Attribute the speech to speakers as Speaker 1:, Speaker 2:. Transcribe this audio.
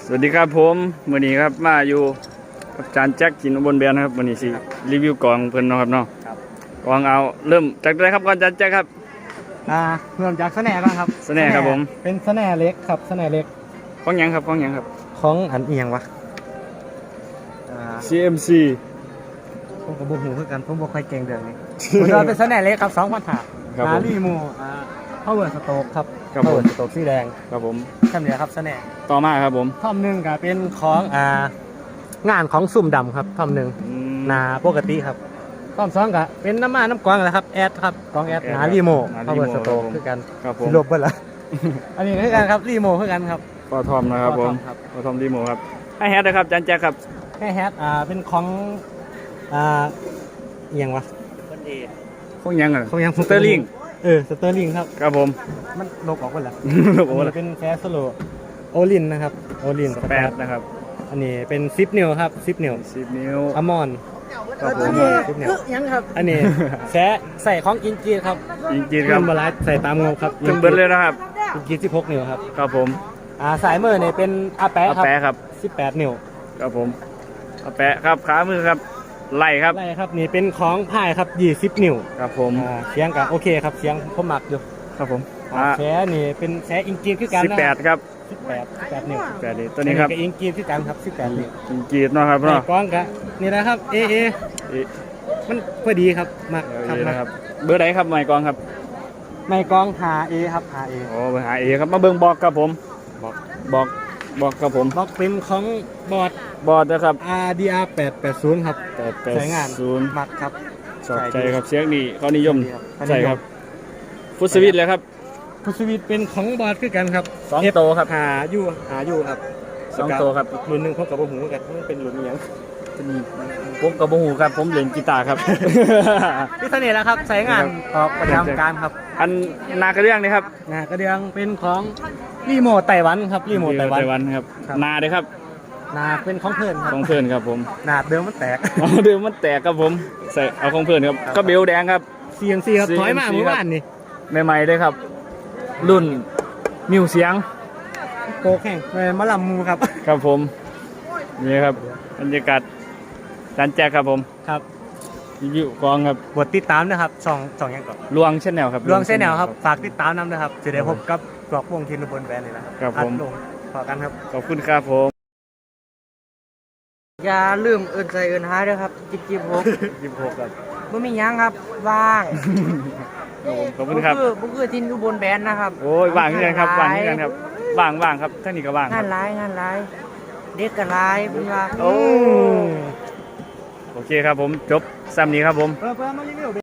Speaker 1: วัสดีครับผมวันนี้ครับมาอยู่กับจานแจ็คกินอุบลแบนนะครับวันนี้สิรีวิวกล่องเพิ่นเนาะครับเนาะกล่องเอาเริ่มจากอะไรครับก่อนจานแจ็คครับ
Speaker 2: เริ่มจากสแหน่ก่อนครับ
Speaker 1: สแหน่ครับผม
Speaker 2: เป็นสแหน่เล็กครับสแหน่เล็ก
Speaker 1: ของหยังครับของหยังครับ
Speaker 2: ของอันเอียงวะ
Speaker 1: CMC
Speaker 2: ผมกับบุหูคือกันผมบ่ค่อยเก่งเรื่องนี้ผมว่าเป็นสแหน่เล็กครับ2,500
Speaker 1: ครับผม
Speaker 2: รีโมpower stroke ครับ power stroke สีแดง
Speaker 1: ครับผม
Speaker 2: แค่นี้ครับสแหน่
Speaker 1: ต่อมาครับผม
Speaker 2: ท่อมหนึ่งก็เป็นของงานของซุ่มดำครับท่อมหนึ่งนาปกติครับท่อมสองก็เป็นน้ำกวางแหละครับแอดครับกองแอดนารีโม power stroke คือกัน
Speaker 1: ครับผม
Speaker 2: ลบเบิ่ละอันนี้คือกันครับรีโมคือกันครับ
Speaker 1: ปอทอมนะครับผมปอทอมรีโมครับให้แฮทนะครับจานแจ็คครับ
Speaker 2: ให้แฮทเป็นของเอียงวะ
Speaker 1: ของหยังอ่ะ
Speaker 2: ของยัง
Speaker 1: สเตอร์ลิง
Speaker 2: สเตอร์ลิงครับ
Speaker 1: ครับผม
Speaker 2: มันลบออกไปแล้ว
Speaker 1: ลบออกแล้ว
Speaker 2: เป็นแฟสโลโอลินนะครับโอลิน
Speaker 1: 8นะครับ
Speaker 2: อันนี้เป็น10 นิ้วครับ10 นิ้ว
Speaker 1: 10 นิ้ว
Speaker 2: อมอน
Speaker 1: ครับผม
Speaker 2: 10 นิ้วยังครับอันนี้แซ่ใส่ของอินจีครับ
Speaker 1: อินจีครับ
Speaker 2: บาลานใส่ตามงบครับ
Speaker 1: จนเบิดเลยนะครับ
Speaker 2: อินจี16 นิ้วครับ
Speaker 1: ครับผม
Speaker 2: สายมือเนี่ยเป็นอาแปะ
Speaker 1: ครับ
Speaker 2: 18 นิ้ว
Speaker 1: ครับผมอาแปะครับขามือครับไล่ครับ
Speaker 2: นี่เป็นของพายครับ20 นิ้ว
Speaker 1: ครับผม
Speaker 2: เสียงก็โอเคครับเสียงผมมักอยู่
Speaker 1: ครับผม
Speaker 2: แซ่นี่เป็นแซ่อิงกีคือกันนะ
Speaker 1: 18ครับ
Speaker 2: 18นิ้ว
Speaker 1: 18นี่ตัวนี้ครับ
Speaker 2: อิงกีคือกันครับ18นิ้ว
Speaker 1: อิงกีเนาะครับเนาะ
Speaker 2: กล้องก็นี่นะครับเอมันพอดีครับมัก
Speaker 1: ครับเบอร์ไหนครับไมค์กองครับ
Speaker 2: ไมค์กองหาเอครับหาเอ
Speaker 1: โอ้หาเอครับมาเบิ่งบอกครับผมบอกครับผม
Speaker 2: บอกเป็นของบอร์ด
Speaker 1: นะครับ
Speaker 2: RDR 880ครับใช้งานมักครับ
Speaker 1: ชอบใจครับเสียงนี่เขานิยมใช่ครับฟุตสวิตเลยครับ
Speaker 2: ฟุตสวิตเป็นของบอร์ดคือกันครับ
Speaker 1: 2 โตครับ
Speaker 2: หาอยู่ครับ
Speaker 1: 2 โตครับ
Speaker 2: รุ่นหนึ่งพบกับหูกันมันเป็นรุ่นยัง
Speaker 1: ผมกับหูครับผมเล่นกีตาร์ครับ
Speaker 2: ที่เสน่ห์แล้วครับใช้งานออกประจำการครับ
Speaker 1: อันนากระเดื่องนี่ครับ
Speaker 2: นากระเดื่องเป็นของรีโมทไต้หวันครับรีโมทไต้หวัน
Speaker 1: ครับนาเลยครับ
Speaker 2: นาเป็นของเพื่อนครับ
Speaker 1: ของเพื่อนครับผม
Speaker 2: นาเดิมมันแตก
Speaker 1: ครับผมใส่เอาของเพื่อนครับก็เบลแดงครับ
Speaker 2: CMCครับถอยมาเมื่อวานนี่
Speaker 1: ใหม่ๆเลยครับรุ่นมิวเสียง
Speaker 2: โกแข่งมะลำมูครับ
Speaker 1: ครับผมนี่ครับบรรยากาศจานแจกครับผม
Speaker 2: ครับ
Speaker 1: อยู่กองครับ
Speaker 2: บทติดตามนะครับสองอย่างก่อน
Speaker 1: ลวงเช่นแนวครับ
Speaker 2: ลวงเช่นแนวครับฝากติดตามน้ำนะครับจะได้พบกับกรอกวงทีนบนแบรนด์เลยนะครับ
Speaker 1: ผม
Speaker 2: ขอกันครับ
Speaker 1: ขอบคุณครับผม
Speaker 2: อย่าลืมเอินใจเอินหายด้วยครับ26ครับไม่มียังครับว่าง
Speaker 1: ขอบคุณครับ
Speaker 2: บุกทีนอุบลแบรนด์นะครับ
Speaker 1: โอ้ยว่างที่ไหนครับว่างที่ไหนครับว่างครับท่านนี่ก็ว่าง
Speaker 2: งานไลฟ์เด็กก็ไลฟ์เป็นว่า
Speaker 1: โอเคครับผมจบซ้ำนี้ครับผม
Speaker 2: เพื่อมารีวิวเบ